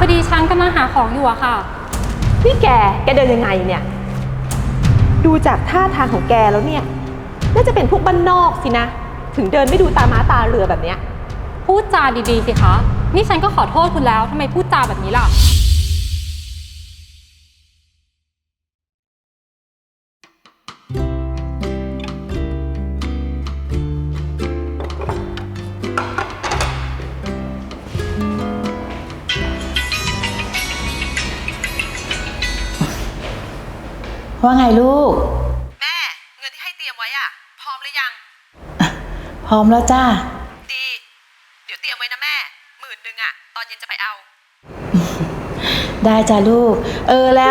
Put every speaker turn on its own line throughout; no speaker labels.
ดีฉันกำลังหาของอยู่อะค่ะ
นี่แกเดินยังไงเนี่ยดูจากท่าทางของแกแล้วเนี่ยน่าจะเป็นพวกบ้านนอกสินะถึงเดินไม่ดูตาม้าตาเรือแบบเนี้ย
พูดจาดีๆสิคะนี่ฉันก็ขอโทษคุณแล้วทำไมพูดจาแบบนี้ล่ะ
ว่าไงลูก
แม่เงินที่ให้เตรียมไว้อะพร้อมหรือยัง
พร้อมแล้วจ้า
ดีเดี๋ยวเตรียมไว้นะแม่10,000อะตอนเย็นจะไปเอา
ได้จ้าลูกแล้ว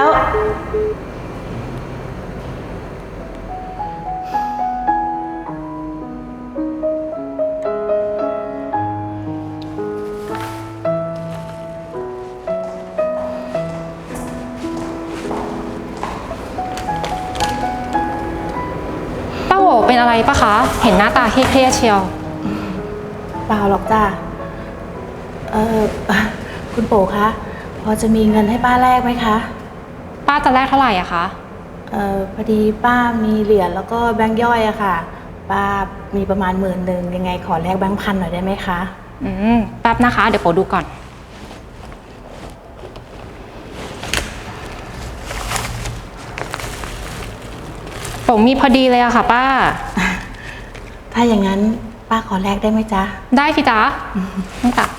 ป้าโหเป็นอะไรปะคะเห็นหน้าตาเครียดเชียว
เปล่าหรอกจ้าคุณปู่คะพอจะมีเงินให้ป้าแลกไหมคะ
ป้าจะแลกเท่าไหร่อะคะ
พอดีป้ามีเหรียญแล้วก็แบงค์ย่อยอะค่ะป้ามีประมาณ10,000ยังไงขอแลกแบงค์พันหน่อยได้ไหมคะ
แป๊บนะคะเดี๋ยวโปดูก่อนผมมีพอดีเลยอะค่ะป้า
ถ้าอย่างนั้นป้าขอแลกได้ไหมจ๊ะ
ได้สิจ๊ะนี่จ้ะ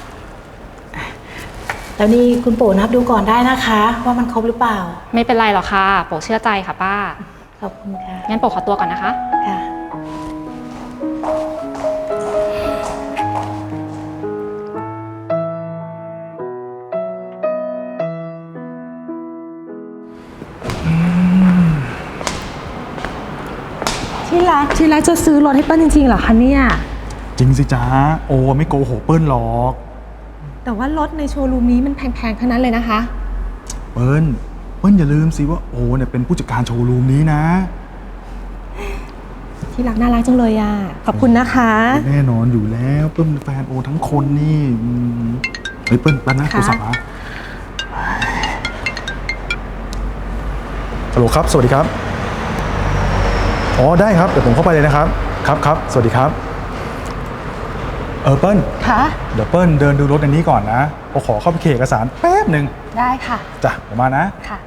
แล้วนี่คุณปู่นับดูก่อนได้นะคะว่ามันครบหรือเปล่า
ไม่เป็นไรหรอกค่ะโปเชื่อใจค่ะป้า
ขอบคุณค่ะ
งั้นโปขอตัวก่อนนะคะ
ค่ะ
ที่รักจะซื้อรถให้เปิ้ลจริงๆเหรอคะเนี่ย
จริงสิจ๊ะโอ้ไม่โกหกเปิ้ลหรอก
แต่ว่ารถในโชว์รูมนี้มันแพงๆทั้งนั้นเลยนะคะ
เปิ้ลอย่าลืมสิว่าโอ้เนี่ยเป็นผู้จัดการโชว์รูมนี้นะ
ที่รักน่ารักจังเลยอ่ะขอบคุณนะคะ
แน่นอนอยู่แล้วเปิ้ลเป็นแฟนโอทั้งคนนี่เฮ้ยเปิ้ลแป๊บนะโทรศัพท์มาฮัลโหลครับสวัสดีครับอ๋อได้ครับเดี๋ยวผมเข้าไปเลยนะครับครับสวัสดีครับเปิ้ล
ค่ะ
เดี๋ยวเปิ้ลเดินดูรถในนี้ก่อนนะผมขอเข้าไปเคลียร์เอกสารแป๊บหนึ่ง
ได้ค่ะ
จ้ะเดี๋ยวมานะ
ค่ะ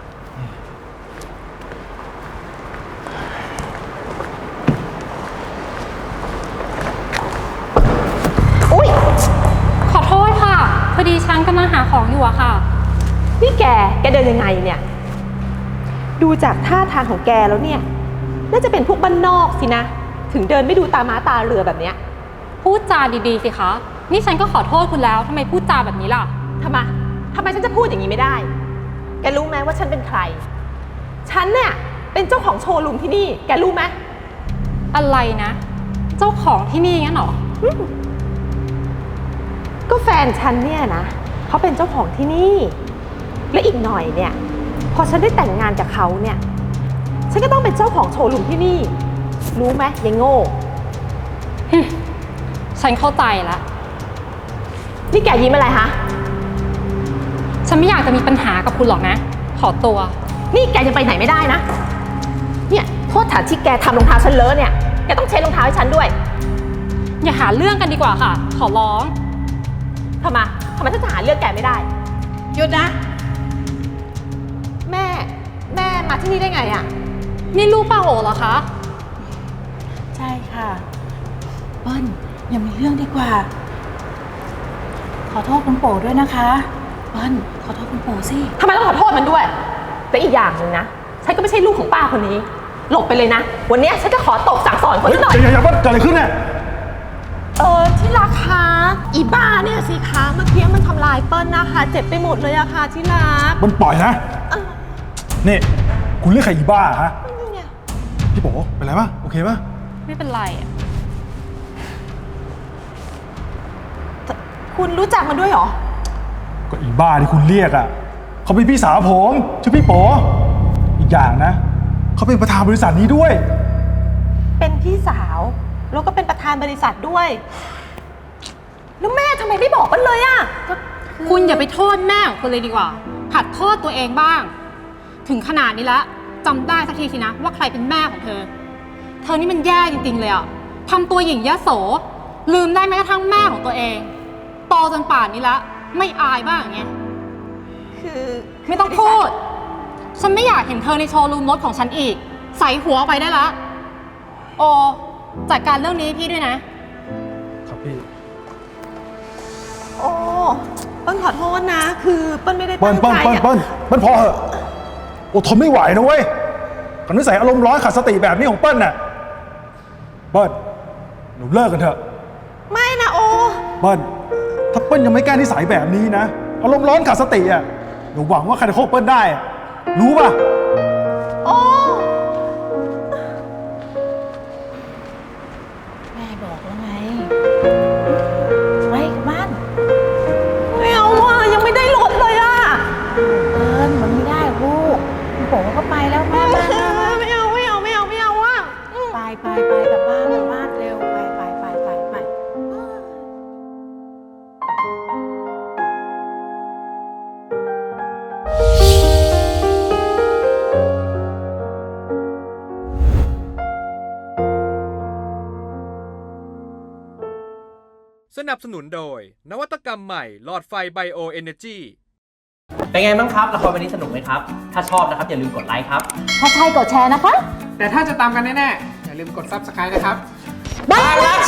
อุ๊ยขอโทษค่ะพอดีฉันกำลังหาของอยู่อะค่ะ
นี่แกเดินยังไงเนี่ยดูจากท่าทางของแกแล้วเนี่ยน่าจะเป็นพวกบ้านนอกสินะถึงเดินไม่ดูตาม้าตาเรือแบบเนี้ย
พูดจาดีๆสิคะนี่ฉันก็ขอโทษคุณแล้วทำไมพูดจาแบบนี้ล่ะ
ทำไมฉันจะพูดอย่างนี้ไม่ได้แกรู้ไหมว่าฉันเป็นใครฉันเนี่ยเป็นเจ้าของโชว์รูมที่นี่แกรู้ไหม
อะไรนะเจ้าของที่นี่งั้นหรอ
ก็แฟนฉันเนี่ยนะเขาเป็นเจ้าของที่นี่และอีกหน่อยเนี่ยพอฉันได้แต่งงานกับเขาเนี่ยฉันก็ต้องเป็นเจ้าของโชว์รูมที่นี่รู้ไหมยายโง่
ฉันเข้าใจแล้ว
นี่แกยิ้มอะไรฮะ
ฉันไม่อยากจะมีปัญหากับคุณหรอกนะขอตัว
นี่แกจะไปไหนไม่ได้นะเนี่ยโทษฐานที่แกทำรองเท้าฉันเลอะเนี่ยแกต้องเช็ดรองเท้าให้ฉันด้วย
อย่าหาเรื่องกันดีกว่าค่ะขอร้อง
ทำไมฉันจะหาเรื่องแกไม่ได้
หยุดนะ
แม่มาที่นี่ได้ไงอ่ะ
นี่ลูกป้าโอเหรอคะ
ใช่ค่ะเปิ้ลอย่ามีเรื่องดีกว่าขอโทษคุณปู่ด้วยนะคะเปิ้ลขอโทษคุณปู่สิ
ทำไมต้องขอโทษมันด้วยแต่อีกอย่างหนึ่งนะฉันก็ไม่ใช่ลูกของป้าคนนี้หลบไปเลยนะวันนี้ฉันจะขอตบสั่งสอนคนหน่อย
อย่าเกิดอะไรขึ้นเนี่ย
ที่รักคะอีบ้าเนี่ยสิคะเมื่อกี้มันทำลายเปิ้ลนะคะเจ็บไปหมดเลยอะค่ะที่รัก
มันปล่อยนะนี่คุณเรียกใครอีบ้าฮะพี่โป๋เป็นไรป่ะโอเคป่ะ
ไม่เป็นไรอะ
คุณรู้จักมันด้วยเหรอ
ก็อีบ้าที่คุณเรียกอะเขาเป็นพี่สาวผมชื่อพี่โป๋อีกอย่างนะเขาเป็นประธานบริษัทนี้ด้วย
เป็นพี่สาวแล้วก็เป็นประธานบริษัทด้วยแล้วแม่ทำไมไม่บอกกันเลยอะ
คุณอย่าไปโทษแม่ของคุณเลยดีกว่าหัดโทษตัวเองบ้าง ถึงขนาดนี้แล้วจำได้สักทีสินะว่าใครเป็นแม่ของเธอ เธอนี่มันแย่จริงๆเลยอะทำตัวหยิ่งยโสลืมได้แม้กระทั่งแม่ของตัวเองโตจนป่านนี้แล้วไม่อายบ้างอย่างเงี้ย
คือ
ไม่ต้องพูด ฉันไม่อยากเห็นเธอในโชว์รูมรถของฉันอีก ใส่หัวไปได้ละโอจัดการเรื่องนี้ให้พี่ด้วยนะ
ครับพี่
โอ้เปิ้ลขอโทษนะ คือเปิ้ลไม่ได้
เปิ้
ตั้
ล
ง
เปิ้ล
ใจ
เปิ้ล
อะ
เปิ้ลเปิ้ลพอเหอะโอ้ทนไม่ไหวนะเว้ยกับนิสัยอารมณ์ร้อนขาดสติแบบนี้ของเปิ้ลน่ะเปิ้ลหนูเลิกกันเถอะ
ไม่นะโอ
เปิ้ลถ้าเปิ้ลยังไม่แก้นิสัยแบบนี้นะอารมณ์ร้อนขาดสติอ่ะหนูหวังว่าใครจะคบเปิ้ลได้อะรู้ป่ะ
โอ้
แม่บอกแล้วไงไปกลับบ้าน
ไม่เอาอะยังไม่ได้รถเลยอะ
เอิญมันไม่ได้ลูกคุณโป๋ก็ไปแล้วมา
ไม่เอาอะ
ไปกลับบ้านกลับบ้านเร็วไป
สนับสนุนโดยนวัตกรรมใหม่หลอดไฟไบโอเอเนจี
เป็นไงบ้างครับละครวันนี้สนุกไหมครับ ถ้าชอบนะครับอย่าลืมกดไลค์ครับ
ถ้าใช่กดแชร์นะคะ
แต่ถ้าจะตามกันแน่ๆ อย่าลืมกด Subscribe นะครับ
บ้านรัก